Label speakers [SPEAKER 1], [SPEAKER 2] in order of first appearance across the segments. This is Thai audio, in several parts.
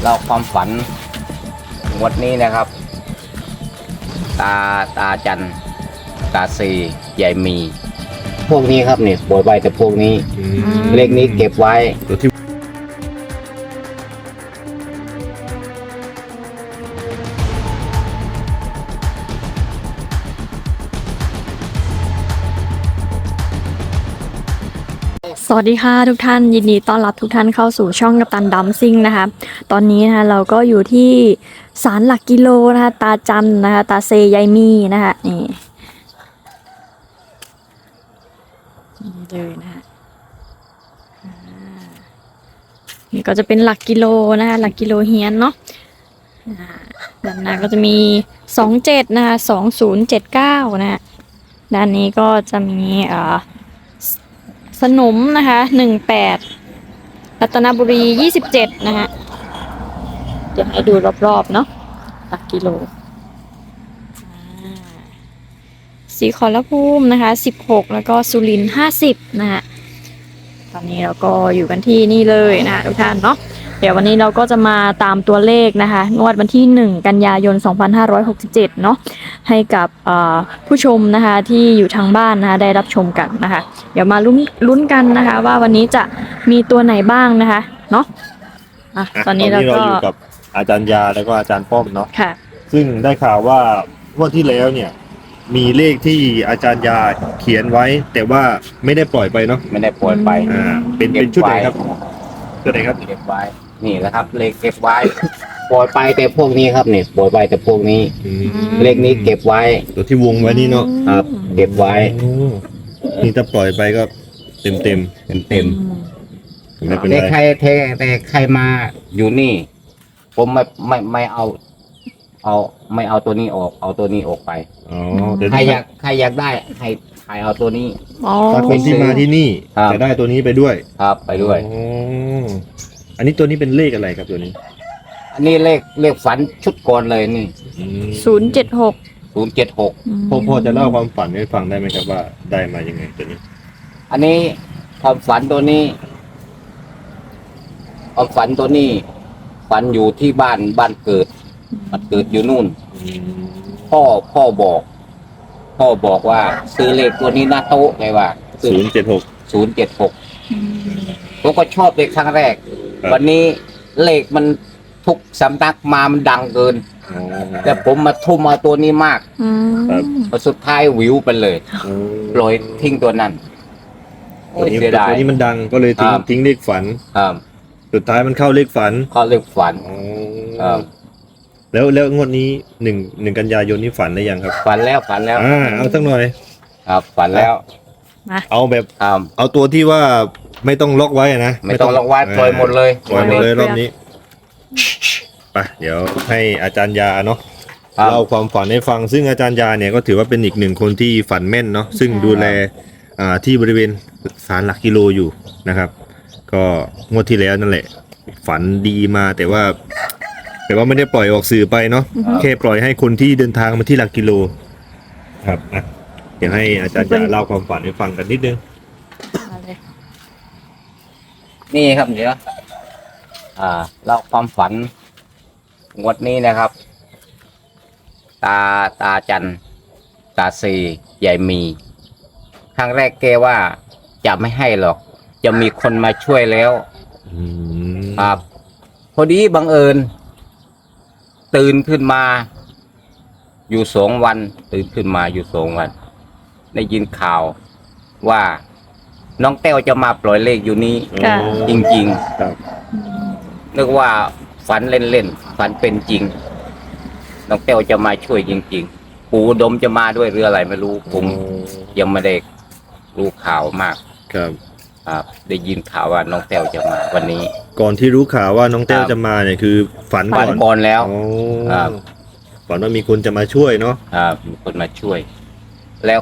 [SPEAKER 1] เราความฝันงวดนี้นะครับตาจันตาซีใหญ่มีพวกนี้ครับเนี่ยปล่อยไว้แต่พวกนี้เลขนี้เก็บไว้
[SPEAKER 2] ตัวที่
[SPEAKER 3] สวัสดีค่ะทุกท่านยินดีต้อนรับทุกท่านเข้าสู่ช่องกัปตันดัมซิ่งนะคะตอนนี้นะคะเราก็อยู่ที่ศาลหลักกิโลนะคะตาจันนะคะตาเซยายมีนะคะนี่เลยนะคะนี่ก็จะเป็นหลักกิโลนะคะหลักกิโลเฮียนเนาะด้านหน้าก็จะมี27นะคะ2079นะคะด้านนี้ก็จะมีสนมนะคะ18รัตนบุรี27นะคะเดี๋ยวให้ดูรอบๆเนาะหลักกิโลศรีขอรภูมินะคะ16แล้วก็สุรินทร์50นะคะตอนนี้เราก็อยู่กันที่นี่เลยนะทุกท่านเนาะเดี๋ยววันนี้เราก็จะมาตามตัวเลขนะคะงวดวันที่1กันยายน2567เนาะให้กับผู้ชมนะคะที่อยู่ทางบ้านนะคะได้รับชมกันนะคะเดี๋ยวมาลุ้นกันนะคะว่าวันนี้จะมีตัวไหนบ้างนะคะเนาะตอนนี้เรา
[SPEAKER 2] อยู่กับอาจารย์ยาแล้วก็อาจารย์ป้อมเนาะ
[SPEAKER 3] ค่ะ
[SPEAKER 2] ซึ่งได้ข่าวว่างวดที่แล้วเนี่ยมีเลขที่อาจารย์ยาเขียนไว้แต่ว่าไม่ได้ปล่อยไปเนาะ
[SPEAKER 1] ไม่ได้ปล่อยไป
[SPEAKER 2] เป็นชุดไหนครับชุดไหนครับ
[SPEAKER 1] เก็บไว้นี่แหละครับเลขเก็บไว้ปล่อยไปแต่พวกนี้ครับเนี่ยปล่อยไปแต่พวกนี้เลขนี้เก็บไว้
[SPEAKER 2] ตัวที่วงไว้นี่เนาะ
[SPEAKER 1] ครับเก็บไว้
[SPEAKER 2] นี่ถ้าปล่อยไปก็เต็ม
[SPEAKER 1] แต่ใครมาอยู่นี่ผมไม่เอาไม่เอาตัวนี้ออกเอาตัวนี้ออกไปใครอยากได้ให้เอาตัวนี้
[SPEAKER 2] ถ้าคนที่มาที่นี่จะได้ตัวนี้ไปด้วย
[SPEAKER 1] ครับไปด้วย
[SPEAKER 2] อันนี้ตัวนี้เป็นเลขอะไรครับตัวนี้
[SPEAKER 1] อันนี้เลขฝันชุดก่อนเลยนี่
[SPEAKER 3] 076
[SPEAKER 2] พ่อจะเล่าความฝันให้ฟังได้ไหมครับว่าได้มายังไงตัวนี้
[SPEAKER 1] อันนี้ความฝันตัวนี้ความฝันตัวนี้ฝันอยู่ที่บ้านเกิดมันเกิดอยู่นู่นพ่อบอกว่าซื้อเลขตัวนี้นะโต๊ะเลยว่า076ผมก็ชอบเลขครั้งแรกวันนี้เลขมันทุกสำนักมามันดังเกินแต่ผมมาทุ่มมาตัวนี้มากสุดท้ายวิวไปเลยปล่อยทิ้งตัวนั้น
[SPEAKER 2] ตัวนี้มันดังก็เลยทิ้งเลขฝันสุดท้ายมันเข้าเลขฝันแล้วงวดนี้หนึ่งกันยายนนี้ฝันได้ยังครับ
[SPEAKER 1] ฝันแล้ว
[SPEAKER 2] เอาสักหน่อย
[SPEAKER 1] ครับฝันแล้ว
[SPEAKER 2] เอาแบบเอาตัวที่ว่าไม่ต้องล็อกไว้นะ
[SPEAKER 1] ไม่ต้องล็อกไว้ปล่อยหมดเลย
[SPEAKER 2] รอบนี้ไปเดี๋ยวให้อาจารย์ยาเนาะเล่าความฝันให้ฟังซึ่งอาจารย์ยาเนี่ยก็ถือว่าเป็นอีกหนึ่งคนที่ฝันแม่นเนาะซึ่งดูแลที่บริเวณศาลหลักกิโลอยู่นะครับก็งวดที่แล้วนั่นแหละฝันดีมาแต่ว่าไม่ได้ปล่อยออกสื่อไปเนาะแค่ปล่อยให้คนที่เดินทางมาที่หลักกิโลครับเดี๋ยวให้อาจารย์ยาเล่าความฝันให้ฟังกันนิดนึง
[SPEAKER 1] นี่ครับเดี๋ยวเล่าความฝันงวดนี้นะครับตาจันตาซีใหญ่มีครั้งแรกแกว่าจะไม่ให้หรอกจะมีคนมาช่วยแล้วครับพอดีบังเอิญตื่นขึ้นมาอยู่2 วันตื่นขึ้นมาอยู่2 วันได้ยินข่าวว่าน้องแต้วจะมาปล่อยเลขอยู่นี้จริงๆนึกว่าฝันเล่นๆฝันเป็นจริงน้องแต้วจะมาช่วยจริงๆปู่อุดมจะมาด้วยหรืออะไรไม่รู้ผมยังไม่ได้รู้ข่าวมากครับได้ยินข่าวว่าน้องแต้วจะมาวันนี้
[SPEAKER 2] ก่อนที่รู้ข่าวว่าน้องแต้วจะมาเนี่ยคือฝัน
[SPEAKER 1] ก่อนแล้ว
[SPEAKER 2] ฝันว่ามีคนจะมาช่วยเนาะ
[SPEAKER 1] มีคนมาช่วยแล้ว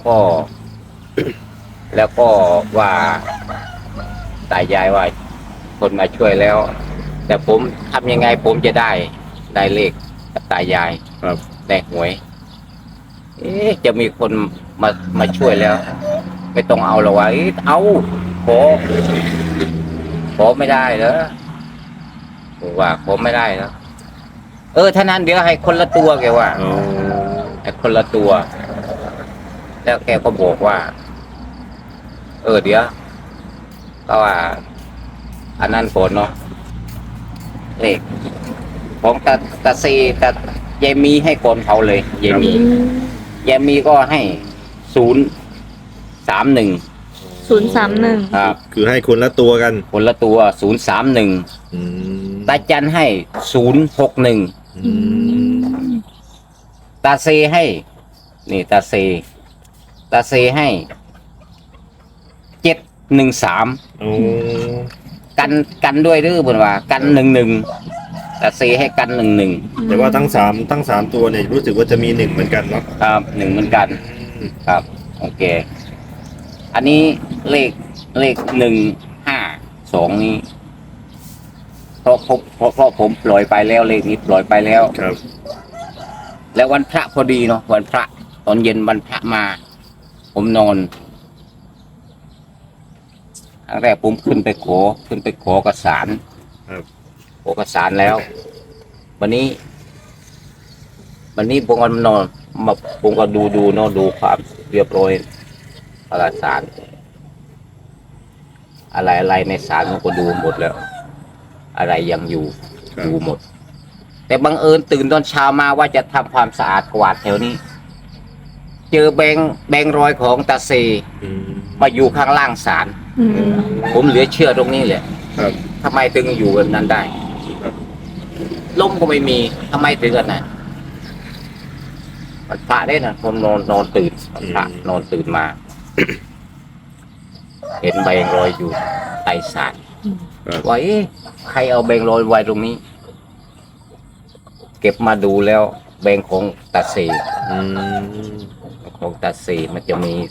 [SPEAKER 1] ก็ว่าตายายว่าคนมาช่วยแล้วแต่ผมทำยังไงผมจะได้เลขกับตายายได้หวยจะมีคนมาช่วยแล้วไม่ต้องเอาหรอกวะเอาขอไม่ได้เหรอบอกว่าผมไม่ได้แล้วถ้านั้นเดี๋ยวให้คนละตัวแกว่า
[SPEAKER 2] อ๋อ
[SPEAKER 1] ให้คนละตัว แล้วแกก็บอกว่า เดี๋ยวก็ว่า อันนั้นผลเนาะเลขของตาซีตายายมีให้ก่อนเขาเลยยายมี ยายมีก็ให้031
[SPEAKER 3] 031
[SPEAKER 1] ครับ
[SPEAKER 2] คือให้คนละตัวกัน
[SPEAKER 1] คนละตัว031
[SPEAKER 2] อืม
[SPEAKER 1] ตาจันให้061
[SPEAKER 2] อืม
[SPEAKER 1] ตาเซให้ นี่ตาเซให้713
[SPEAKER 2] โอ้
[SPEAKER 1] กันด้วยหรือเปล่าว่ากัน11ตาเซให้กัน11
[SPEAKER 2] แต่ว่าทั้งสามตัวเนี่ยรู้สึกว่าจะมี1เหมือนกันเนาะ
[SPEAKER 1] ครับ1เหมือนกัน ครับ โอเค อันนี้เลข152นี้เพราะผมปล่อยไปแล้วเลขนี้ปล่อยไปแล้ว
[SPEAKER 2] ครับ
[SPEAKER 1] แล้ววันพระพอดีเนาะวันพระตอนเย็นวันพระมา ผมนอนครั้งแรกผมขึ้นไปขอกระสาน
[SPEAKER 2] ครับ
[SPEAKER 1] ขอกระสานแล้ว วันนี้ผมก็นอนมาผมก็ดูเนาะดูความเรียบร้อยกระสาน อะไรในศาลผมก็ดูหมดแล้ว อะไรยังอยู่
[SPEAKER 2] ครับ
[SPEAKER 1] ดูหมด แต่บังเอิญตื่นตอนเช้ามาว่าจะทำความสะอาดกวาดแถวนี้ เจอแบงค์ร้อยของตาเซ
[SPEAKER 2] อืม
[SPEAKER 1] มาอยู่ข้างล่างศาล
[SPEAKER 3] อืม
[SPEAKER 1] ผมเหลือเชื่อตรงนี้แหละ
[SPEAKER 2] ครับ
[SPEAKER 1] ทำไมถึงอยู่แบบนั้นได้
[SPEAKER 2] ครับ
[SPEAKER 1] ลมก็ไม่มีทำไมถึงกันนะมันพระได้นะผมนอนตื่นวันพระนอนตื่นมา เห็นแบงค์ร้อยอยู่ใต้ศาล
[SPEAKER 2] ครับ
[SPEAKER 1] ว่าใครเอาแบงค์ร้อยไว้ตรงนี้ เก็บมาดูแล้วแบงค์ของตาเซ
[SPEAKER 2] อืม
[SPEAKER 1] ของตาเซมันจะมี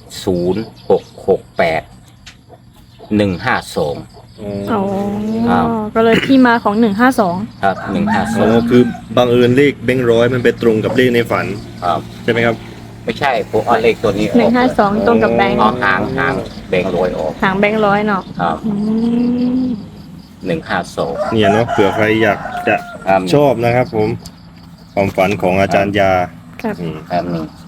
[SPEAKER 1] 0668 152
[SPEAKER 3] อ๋อ
[SPEAKER 1] ครับ
[SPEAKER 3] ก็เลยที่มาของ152
[SPEAKER 1] ครับ
[SPEAKER 2] อ๋อคือบังเอิญเลขแบงค์ร้อยมันไปตรงกับเลขในฝัน
[SPEAKER 1] 152ครับ
[SPEAKER 2] ใช่ไหมครับ
[SPEAKER 1] ไม่ใช่ผมเอาเลขตัวนี้ออก
[SPEAKER 3] 152ตรงกับแบงค์
[SPEAKER 1] เอาหางแบงค์ร้อยออก
[SPEAKER 3] หางแบงค์ร้อยเนาะ
[SPEAKER 1] ครับ
[SPEAKER 3] อืม
[SPEAKER 1] 152
[SPEAKER 2] เนี่ยเนาะเผื่อใครอยากจะ
[SPEAKER 1] ครับ
[SPEAKER 2] ชอบนะครับ ผมความฝันของอาจารย์ยา
[SPEAKER 3] ครับ
[SPEAKER 2] อืม
[SPEAKER 1] ครับ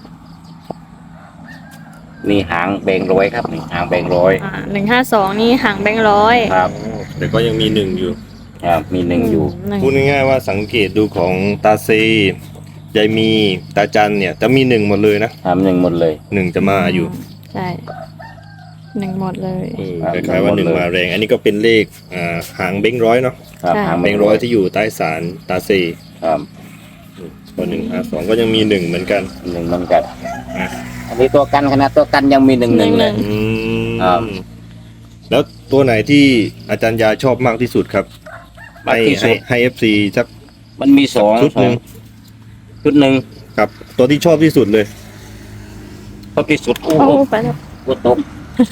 [SPEAKER 1] นี่หางแบงค์ร้อยครับนี่หางแบงค์ร้อย
[SPEAKER 3] 152นี่หางแบงค์ร้อย
[SPEAKER 1] ครับ
[SPEAKER 2] แต่ก็ยังมี1อยู่
[SPEAKER 1] ครับมีหนึ่งอยู่
[SPEAKER 3] หนึ่ง
[SPEAKER 2] พูดง่ายๆว่าสังเกตดูของตาเซยายมีตาจันเนี่ยจะมี1หมดเลยนะครับ
[SPEAKER 1] 1หมดเลย
[SPEAKER 2] 1จะมาอยู่
[SPEAKER 3] ใช่1หมดเลย
[SPEAKER 2] คล้ายๆว่า1มาแรง อันนี้ก็เป็นเลขหางแบงค์ร้อยเนาะ
[SPEAKER 1] ครับ
[SPEAKER 3] ใช่
[SPEAKER 1] หาง
[SPEAKER 2] แบ
[SPEAKER 1] แบ
[SPEAKER 2] ง
[SPEAKER 1] ง
[SPEAKER 2] ค์
[SPEAKER 1] ค์
[SPEAKER 2] ร้
[SPEAKER 1] ร้
[SPEAKER 2] อ
[SPEAKER 1] อย ย
[SPEAKER 2] ที่อยู่ใต้ศาลตาเซ
[SPEAKER 1] ครับ
[SPEAKER 2] ก็152ก็ยังมี1เหมือนกัน
[SPEAKER 1] 1เหมือนกัน
[SPEAKER 2] อ่ะ
[SPEAKER 1] อันนี้ตัวกันขนาดตัวกันยังมี1เลย
[SPEAKER 2] อืม
[SPEAKER 1] ครับ
[SPEAKER 2] แล้วตัวไหนที่อาจารย์ยาชอบมากที่สุดครับ
[SPEAKER 1] มากที่สุด
[SPEAKER 2] ให้ FC สัก
[SPEAKER 1] มันมีสอง
[SPEAKER 2] ชุดหนึ่ง
[SPEAKER 1] ชุดหนึ่ง
[SPEAKER 2] ครับ ตัวที่ชอบที่สุดเลย
[SPEAKER 1] ชอบที่สุดโอ้
[SPEAKER 3] โอ้
[SPEAKER 1] โห
[SPEAKER 3] ไปแล้ว
[SPEAKER 1] กูตก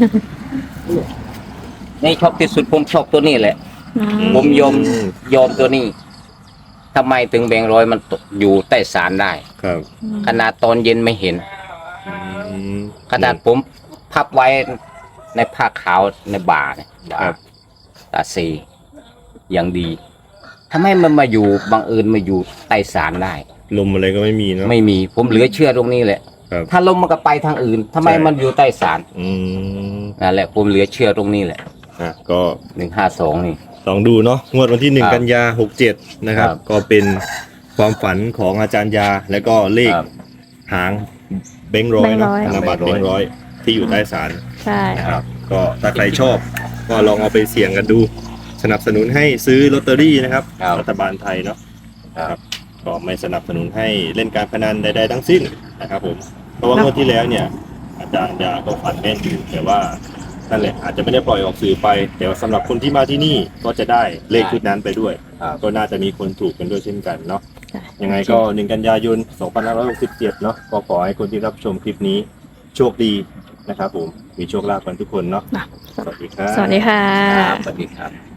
[SPEAKER 1] นี่ชอบที่สุดผมชอบตัวนี้แหละ
[SPEAKER 3] อืม
[SPEAKER 1] ผมยอมตัวนี้ทำไมถึงแบงค์ร้อยมันตกอยู่ใต้ศาลได้
[SPEAKER 2] ครับ
[SPEAKER 1] ขนาดตอนเย็นไม่เห็น
[SPEAKER 2] อืม
[SPEAKER 1] ขนาดผมพับไว้ในผ้าขาวในบ่าเนี่ยบ่า
[SPEAKER 2] ครับ
[SPEAKER 1] ตาซีอย่างดีทำไมมันมาอยู่บังเอิญมาอยู่ใต้ศาลได้
[SPEAKER 2] ลมอะไรก็ไม่มีเนาะ
[SPEAKER 1] ไม่มีผมเหลือเชื่อตรงนี้แหละ
[SPEAKER 2] ครับ
[SPEAKER 1] ถ้าลมมันก็ไปทางอื่นทำไม
[SPEAKER 2] ใช่
[SPEAKER 1] มันอยู่ใต้ศาล
[SPEAKER 2] อืม
[SPEAKER 1] นั่นแหละผมเหลือเชื่อตรงนี้แหละ
[SPEAKER 2] ก็
[SPEAKER 1] 152นี่
[SPEAKER 2] ลองดูเนาะงวดวันที่
[SPEAKER 1] ครับ
[SPEAKER 2] 1 กันยา67นะครับ
[SPEAKER 1] ครับ
[SPEAKER 2] ก็เป็นความฝันของอาจารย์ยา แล้วก็เลข
[SPEAKER 1] ครับ
[SPEAKER 2] หางแบงค์ร้อยเนาะ
[SPEAKER 3] แบงค์ร้อย
[SPEAKER 2] ธนบัตรแบงค์ร้อยที่อยู่ใต้ศาล
[SPEAKER 3] ใช่
[SPEAKER 2] นะครับก็ถ้าใครชอบก็ลองเอาไปเสี่ยงกันดู สนับสนุนให้ซื้อลอตเตอรี่นะครับ
[SPEAKER 1] ครับ
[SPEAKER 2] รัฐบาลไทยเนาะ
[SPEAKER 1] ครับ
[SPEAKER 2] ก็ไม่สนับสนุนให้เล่นการพนันใดๆทั้งสิ้นนะครับผมเพราะว่างวดที่แล้วเนี่ยอาจารย์ยาก็ฝันแม่นอยู่แต่ว่านั่นแหละอาจจะไม่ได้ปล่อยออกสื่อไป แต่ว่าสำหรับคนที่มาที่นี่ก็จะได้เลขชุดนั้นไปด้วย
[SPEAKER 1] ครับ
[SPEAKER 2] ก็น่าจะมีคนถูกกันด้วยเช่นกันเนาะ
[SPEAKER 3] ใช่
[SPEAKER 2] ยังไงก็1 กันยายน 2567 เนาะก็ขอให้คนที่รับชมคลิปนี้โชคดีนะครับผมมีโชคลาภกันทุกคนเนาะ
[SPEAKER 3] นะ
[SPEAKER 2] สวัสดีครับ
[SPEAKER 3] สวัสดีค่ะ
[SPEAKER 1] ครับสวัสดีครับ